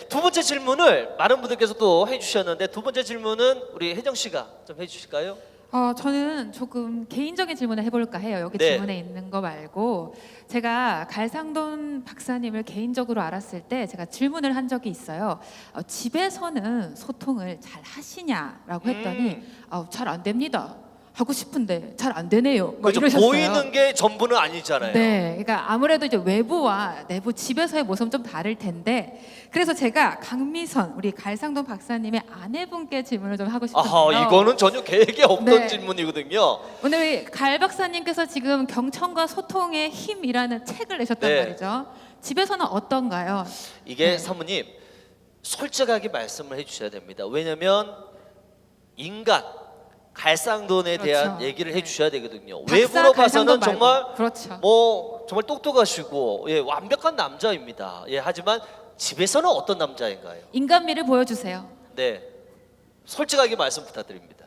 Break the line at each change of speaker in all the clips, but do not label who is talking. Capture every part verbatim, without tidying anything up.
두 번째 질문을 많은 분들께서 또 해주셨는데 두 번째 질문은 우리 혜정 씨가 좀 해주실까요?
어, 저는 조금 개인적인 질문을 해볼까 해요. 여기
네.
질문에 있는 거 말고 제가 갈상돈 박사님을 개인적으로 알았을 때 제가 질문을 한 적이 있어요. 어, 집에서는 소통을 잘 하시냐라고 했더니
음.
어, 잘 안 됩니다. 하고 싶은데 잘 안 되네요. 뭐
그죠?
이러셨어요.
보이는 게 전부는 아니잖아요.
네, 그러니까 아무래도 이제 외부와 내부 집에서의 모습은 좀 다를 텐데 그래서 제가 강미선 우리 갈상돈 박사님의 아내분께 질문을 좀 하고 싶어요.
아하, 이거는 전혀 계획에 없던
네.
질문이거든요.
오늘 갈 박사님께서 지금 경청과 소통의 힘이라는 책을 내셨단
네.
말이죠. 집에서는 어떤가요?
이게
네.
사모님 솔직하게 말씀을 해주셔야 됩니다. 왜냐하면 인간 갈상돈에
그렇죠.
대한 얘기를
네.
해주셔야 되거든요.
박사
외부로
갈상돈
봐서는 정말
말고. 그렇죠.
뭐 정말 똑똑하시고 예, 완벽한 남자입니다. 예, 하지만 집에서는 어떤 남자인가요?
인간미를 보여주세요.
네, 솔직하게 말씀 부탁드립니다.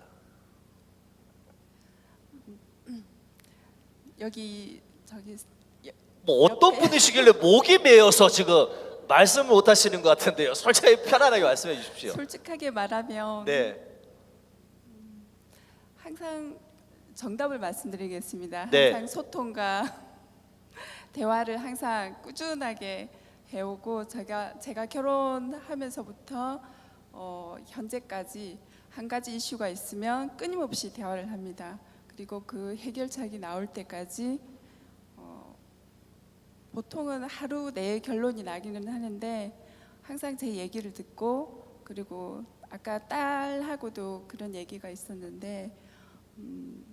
여기 저기
뭐 어떤
옆에.
분이시길래 목이 메어서 지금 말씀을 못 하시는 것 같은데요. 솔직하게 편안하게 말씀해 주십시오.
솔직하게 말하면
네,
항상 정답을 말씀드리겠습니다.
네.
항상 소통과 대화를 항상 꾸준하게 해오고 제가 제가 결혼하면서부터 어, 현재까지 한 가지 이슈가 있으면 끊임없이 대화를 합니다. 그리고 그 해결책이 나올 때까지 어, 보통은 하루 내에 결론이 나기는 하는데 항상 제 얘기를 듣고 그리고 아까 딸하고도 그런 얘기가 있었는데 음,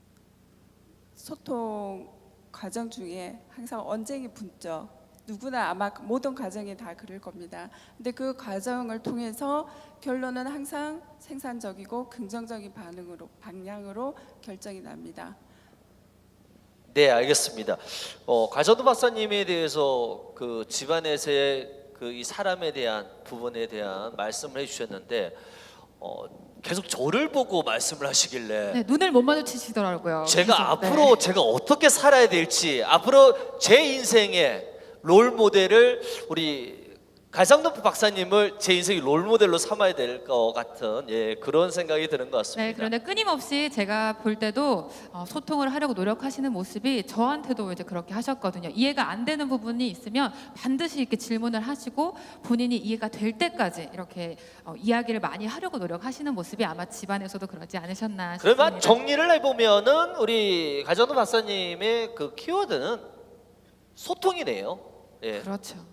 소통 과정 중에 항상 언쟁이 붙죠. 누구나 아마 모든 가정이 다 그럴 겁니다. 근데 그 과정을 통해서 결론은 항상 생산적이고 긍정적인 반응으로 방향으로 결정이 납니다.
네, 알겠습니다. 어, 가저도 박사님에 대해서 그 집안에서의 그 이 사람에 대한 부분에 대한 말씀을 해주셨는데 어, 계속 저를 보고 말씀을 하시길래
네, 눈을 못 마주치시더라고요.
제가
계속.
앞으로
네.
제가 어떻게 살아야 될지 앞으로 제 인생의 롤 모델을 우리 갈상돈 박사님을 제 인생의 롤 모델로 삼아야 될 것 같은 예, 그런 생각이 드는 것 같습니다.
네, 그런데 끊임없이 제가 볼 때도 어, 소통을 하려고 노력하시는 모습이 저한테도 이제 그렇게 하셨거든요. 이해가 안 되는 부분이 있으면 반드시 이렇게 질문을 하시고 본인이 이해가 될 때까지 이렇게 어, 이야기를 많이 하려고 노력하시는 모습이 아마 집안에서도 그러지 않으셨나 싶습니다.
그러면 정리를 해보면은 우리 갈상돈 박사님의 그 키워드는 소통이네요. 예.
그렇죠.